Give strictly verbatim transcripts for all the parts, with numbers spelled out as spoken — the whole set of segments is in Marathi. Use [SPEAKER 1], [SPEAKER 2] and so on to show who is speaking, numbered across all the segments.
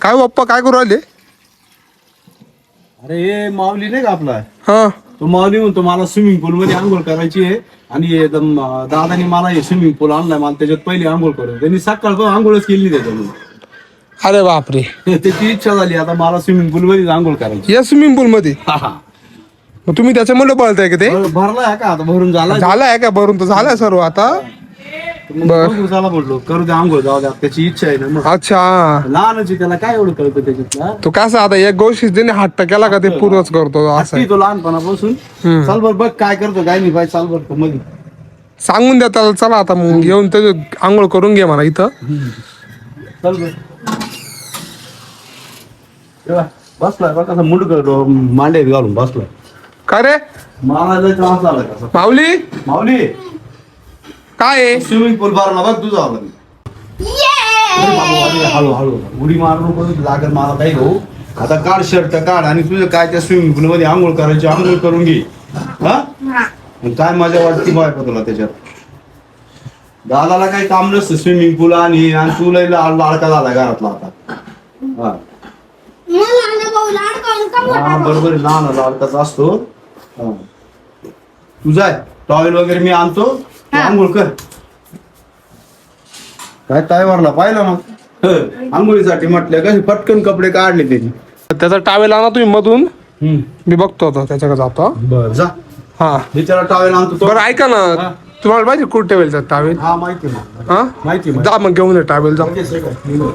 [SPEAKER 1] काय बाप्पा काय करू राहिले?
[SPEAKER 2] अरे हे माऊली नाही का आपला,
[SPEAKER 1] हा
[SPEAKER 2] तो माऊली म्हणतो मला स्विमिंग पूल मध्ये आंघोळ करायची आहे आणि एकदम अं, दादानी मला हे स्विमिंग पूल आणलाय, मला त्याच्यात पहिली आंघोळ करून. त्यांनी सकाळ आंघोळच केली त्याच्यामध्ये.
[SPEAKER 1] अरे बापरे,
[SPEAKER 2] त्याची इच्छा झाली आता मला स्विमिंग पूल मध्ये आंघोळ करायची.
[SPEAKER 1] या स्विमिंग पूल मध्ये मग तुम्ही त्याच्यामुळे पळताय का ते?
[SPEAKER 2] भरलाय का आता, भरून झाला.
[SPEAKER 1] झालाय का? भरून तर झालाय सर्व आता.
[SPEAKER 2] बरं झाला म्हटलो करू दे आंघोळ, जाऊ द्या, त्याची इच्छा आहे ना. मग
[SPEAKER 1] अच्छा,
[SPEAKER 2] लहानच आहे, त्याला काय एवढं कळतं त्याच्यातला.
[SPEAKER 1] तो कसं आता एक गोष्टी ज्याने हट्ट केला का ते पूर्वच करतो असं आहे.
[SPEAKER 2] हट्टी तो लहानपणापासून.
[SPEAKER 1] हम्म.
[SPEAKER 2] चाल बर बघ काय करतो काय नाही, पाहिजे चाल बर मध्ये.
[SPEAKER 1] सांगून द्या त्याला, चला आता मग घेऊन ते आंघोळ करून घे मला इथं.
[SPEAKER 2] चल बर बसलाय बघ कसा मुंडक मांडे घालून बसलाय.
[SPEAKER 1] काय रे
[SPEAKER 2] मला लय त्रास झाला कसा.
[SPEAKER 1] माऊली,
[SPEAKER 2] माऊली
[SPEAKER 1] काय आहे?
[SPEAKER 2] स्विमिंग पूल भरला बघ तुझा आला मी. अरे बाबा, अरे हळू हळू उडी मारू नको, लागत मला काही हो. आता काढ शर्ट काढ आणि तुझं काय त्या स्विमिंग पूल मध्ये आंघोळ करायची, आंघोळ करून घे. हा आणि काय मजा वाटते बायका तुला त्याच्यात. दादाला काही काम नसतं स्विमिंग पूल आणि आणि तुला लाडका झाला घरातला आता. हा हा बरोबर आहे, लहान लाडकाच असतो. हा तू जाय, टॉवेल वगैरे मी आणतो, तू आंघोळ कर. काय टायवरला पाहिलं ना हं, आंघोळीसाठी म्हटलं कसे पटकन कपडे काढले त्याची.
[SPEAKER 1] त्याचा टावेल आणा तुम्ही मधून, मी बघतो आता त्याच्याकडे जातो.
[SPEAKER 2] बर जा,
[SPEAKER 1] हा
[SPEAKER 2] मी त्याला टॉवेल आणतो तो.
[SPEAKER 1] बरं ऐका ना, तुम्हाला माहिती कुठे ठेवेल टावेल?
[SPEAKER 2] हा माहिती आहे मला.
[SPEAKER 1] हा
[SPEAKER 2] माहिती आहे,
[SPEAKER 1] जा मग घेऊन ये टावेल, जा.
[SPEAKER 2] लगेच ये का?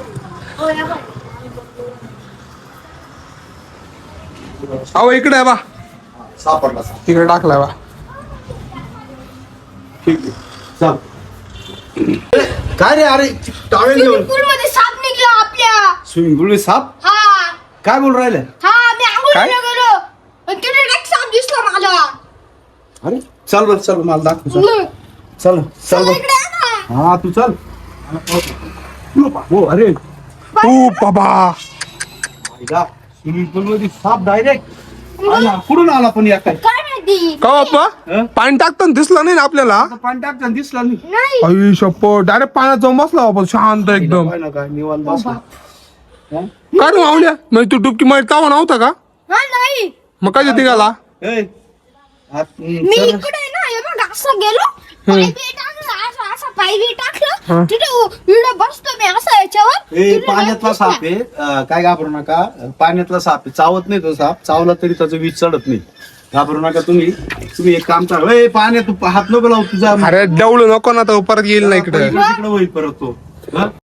[SPEAKER 1] अहो इकडे आहे बा,
[SPEAKER 2] सापडला साप.
[SPEAKER 1] इकडे टाकलाय बा.
[SPEAKER 2] ठीक आहे चल. काय रे, अरे टॉवेल घेऊन
[SPEAKER 3] पूल मध्ये साप निघला आपल्या.
[SPEAKER 2] स्विमिंग पूल साप
[SPEAKER 3] हा
[SPEAKER 2] काय बोल राहिले?
[SPEAKER 3] हा मी
[SPEAKER 1] काय?
[SPEAKER 3] आंघोळीला गेलो आणि तिथे एक साप दिसला मला.
[SPEAKER 2] अरे चल बर चल, मला दाखव चल.
[SPEAKER 3] मग,
[SPEAKER 2] चल चल
[SPEAKER 3] चला
[SPEAKER 2] बर.
[SPEAKER 3] इकडे ये ना.
[SPEAKER 2] हा तू चल. हो अरे
[SPEAKER 1] ओ बाबा,
[SPEAKER 2] स्विमिंग पूल मध्ये साप डायरेक्ट आला. कुठून आला पण या काय?
[SPEAKER 3] काय माहिती?
[SPEAKER 1] का बाप्पा
[SPEAKER 2] हं?
[SPEAKER 1] पाणी टाकताना दिसलं नाही ना आपल्याला?
[SPEAKER 2] आता पाणी टाकताना दिसला नाही.
[SPEAKER 3] नाही.
[SPEAKER 1] आई शप्पो, डायरेक्ट पाण्यात जाऊन बसला बाबा शांत एकदम.
[SPEAKER 2] काय ना काय निवांत बसला. हं?
[SPEAKER 1] काय रे मावल्या, म्हणजे तू डुबकी मारत तावा नव्हता का?
[SPEAKER 3] हा नाही,
[SPEAKER 1] मग काय निघाला?
[SPEAKER 2] ए, हात, हं,
[SPEAKER 3] मी
[SPEAKER 2] चल.
[SPEAKER 3] इकडे ना हे बघ असं गेलो, पाय बी टाकलं, असं असं पाय बी टाकलं, तिथे इकडे बसतो मी असं याच्यावर.
[SPEAKER 2] ए
[SPEAKER 3] तिथे
[SPEAKER 2] पाण्यातला
[SPEAKER 3] बसला.
[SPEAKER 2] साप आहे, अं, काय घाबरू नका. पाण्यातला साप आहे, चावत नाही तो साप. चावला तरी त्याचं वीज चढत नाही. घाबरू नका तुम्ही. तुम्ही एक काम करा, ए पाण्यात तू हात नको लावू तुझा.
[SPEAKER 1] अरे डवळू नको ना, तर परत येईल ना इकडे.
[SPEAKER 2] तिकडे होईल परत तो. हं?